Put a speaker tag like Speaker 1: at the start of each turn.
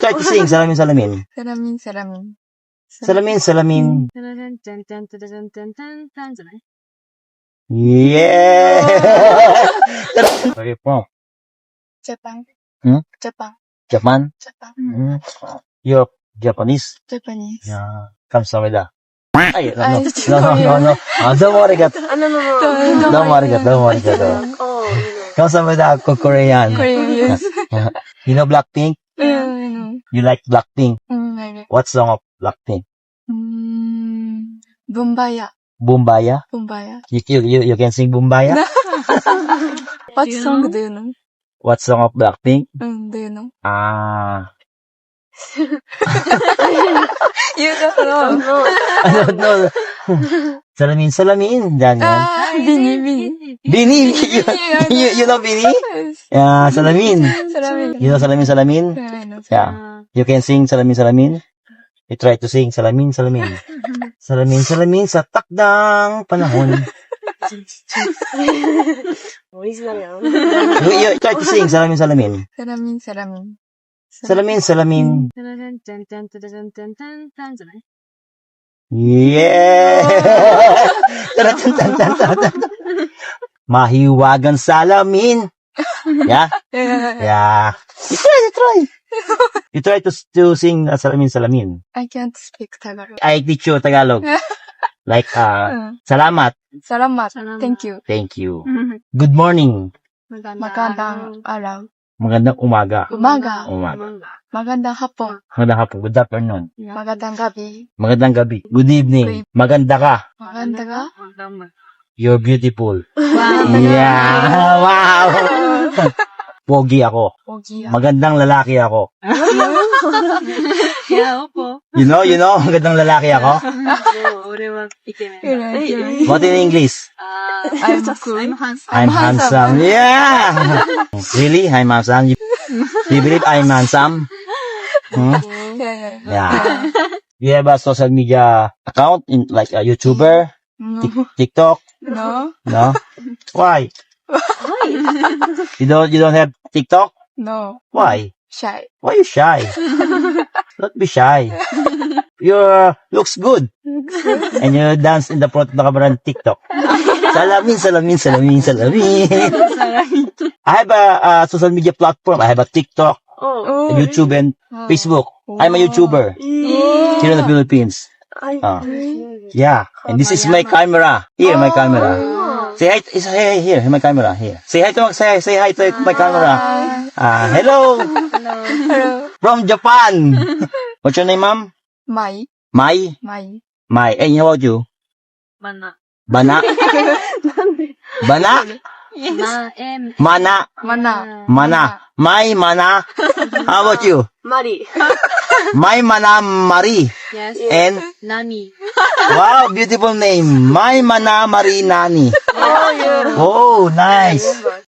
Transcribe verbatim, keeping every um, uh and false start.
Speaker 1: try to sing salamin salamin.
Speaker 2: Salamin, salamin.
Speaker 1: Salamin salamin.
Speaker 3: タラランタンタンタラランタンタンタンじゃない
Speaker 1: Yeah! Where are you from?
Speaker 2: Japan.
Speaker 1: Hmm?
Speaker 2: Japan.
Speaker 1: Japan?
Speaker 2: Japan.
Speaker 1: Hmm. You're Japanese?
Speaker 2: Japanese.
Speaker 1: Yeah. Kamsahamnida. Ay, no,
Speaker 2: Ay,
Speaker 1: no, no, no, no. Ah, don't worry, gat.
Speaker 3: Ano no no.
Speaker 1: Don't worry, gat. Don't worry, gat.
Speaker 3: Oh,
Speaker 1: Kamsahamnida ako Korean.
Speaker 2: Korean, yes.
Speaker 1: You know Blackpink?
Speaker 2: Yeah, I know.
Speaker 1: You like Blackpink?
Speaker 2: Mm, I know.
Speaker 1: What song of Blackpink?
Speaker 2: Mm, Bumbaya.
Speaker 1: Bumbaya?
Speaker 2: Bumbaya.
Speaker 1: You, you, you, you can sing Bumbaya?
Speaker 2: What
Speaker 3: You
Speaker 2: song
Speaker 3: know?
Speaker 2: do you know?
Speaker 1: What song of Blackpink?
Speaker 2: Mm, do you know?
Speaker 1: Ah.
Speaker 2: You don't know.
Speaker 3: no.
Speaker 1: I don't know. Salamin, salamin. Yan, yan.
Speaker 2: Ah, Bini, Bini.
Speaker 1: Bini! You, you, you know Bini?
Speaker 2: Yes.
Speaker 1: Yeah, salamin.
Speaker 2: Salamin.
Speaker 1: You know salamin, salamin?
Speaker 2: Yeah, I know.
Speaker 1: Yeah. You can sing salamin, salamin? You try to sing salamin, salamin. Salamin, salamin sa takdang panahon.
Speaker 3: Original yan.
Speaker 1: You, you try to sing salamin, salamin.
Speaker 2: Salamin, salamin.
Speaker 1: Salamin, salamin.
Speaker 3: タラランタンタンタラランタンタンタンじゃない
Speaker 1: Yeah! Tan-tan-tan-tan-tan. Mahiwagang salamin. Yeah?
Speaker 2: Yeah.
Speaker 1: Yeah. You try, you try. You try to, to sing uh, salamin, salamin.
Speaker 2: I can't speak Tagalog.
Speaker 1: I teach you Tagalog. Like, uh,
Speaker 2: Uh,
Speaker 1: salamat.
Speaker 2: Salamat.
Speaker 3: Salamat.
Speaker 2: Thank you.
Speaker 1: Thank you. Good morning.
Speaker 2: Magandang araw.
Speaker 1: Magandang umaga.
Speaker 2: Umaga.
Speaker 1: Umaga.
Speaker 2: Magandang hapon.
Speaker 1: Magandang hapon. Good afternoon.
Speaker 2: Magandang gabi.
Speaker 1: Magandang gabi. Good evening. Maganda ka.
Speaker 2: Maganda ka?
Speaker 1: You're beautiful.
Speaker 2: Wow.
Speaker 1: Yeah. Wow. Pogi ako.
Speaker 2: Pogi.
Speaker 1: Magandang lalaki ako.
Speaker 3: Yeah, opo.
Speaker 1: You know, you know, magandang lalaki ako.
Speaker 3: No, 俺はイケメンだ。
Speaker 2: Yeah.
Speaker 1: What in English?
Speaker 3: Ah,
Speaker 2: I'm cool.
Speaker 3: I'm handsome.
Speaker 1: I'm handsome. Yeah. Really? I'm handsome. You, you believe I'm handsome? Hmm?
Speaker 2: Yeah.
Speaker 1: Yeah. You have a social media account in like a YouTuber,
Speaker 2: No.
Speaker 1: Tik- TikTok?
Speaker 2: No.
Speaker 1: No? Why?
Speaker 3: Why?
Speaker 1: You don't you don't have TikTok?
Speaker 2: No.
Speaker 1: Why?
Speaker 2: Shy.
Speaker 1: Why you shy? Don't be shy. You uh, looks good. And you dance in the front of the camera on TikTok. Salamin, salamin, salamin, salamin. I have a, a social media platform. I have a TikTok,
Speaker 3: Oh.
Speaker 2: Oh.
Speaker 1: YouTube, and
Speaker 2: Oh.
Speaker 1: Facebook. I'm a YouTuber
Speaker 2: Oh.
Speaker 1: here in the Philippines.
Speaker 3: Ay,
Speaker 1: Ah. Yeah. And this is my camera. Here, my camera. Say hi. Say hi here. My camera here. Say hi to say say hi to my camera. Ah, hello
Speaker 2: Hello.
Speaker 1: from Japan. What's your name, ma'am?
Speaker 2: Mai.
Speaker 1: Mai.
Speaker 2: Mai.
Speaker 1: Mai. And how about you?
Speaker 3: Mana.
Speaker 1: Bana. Bana.
Speaker 3: Ma, em.
Speaker 1: Mana.
Speaker 2: Mana.
Speaker 1: Mana. Mai Mana. How about you?
Speaker 3: Mari.
Speaker 1: Mai Mana Mari.
Speaker 3: Yes.
Speaker 1: And
Speaker 3: Nani.
Speaker 1: wow, beautiful name. Mai Mana Mari Nani.
Speaker 3: Oh, yeah.
Speaker 1: Oh, nice.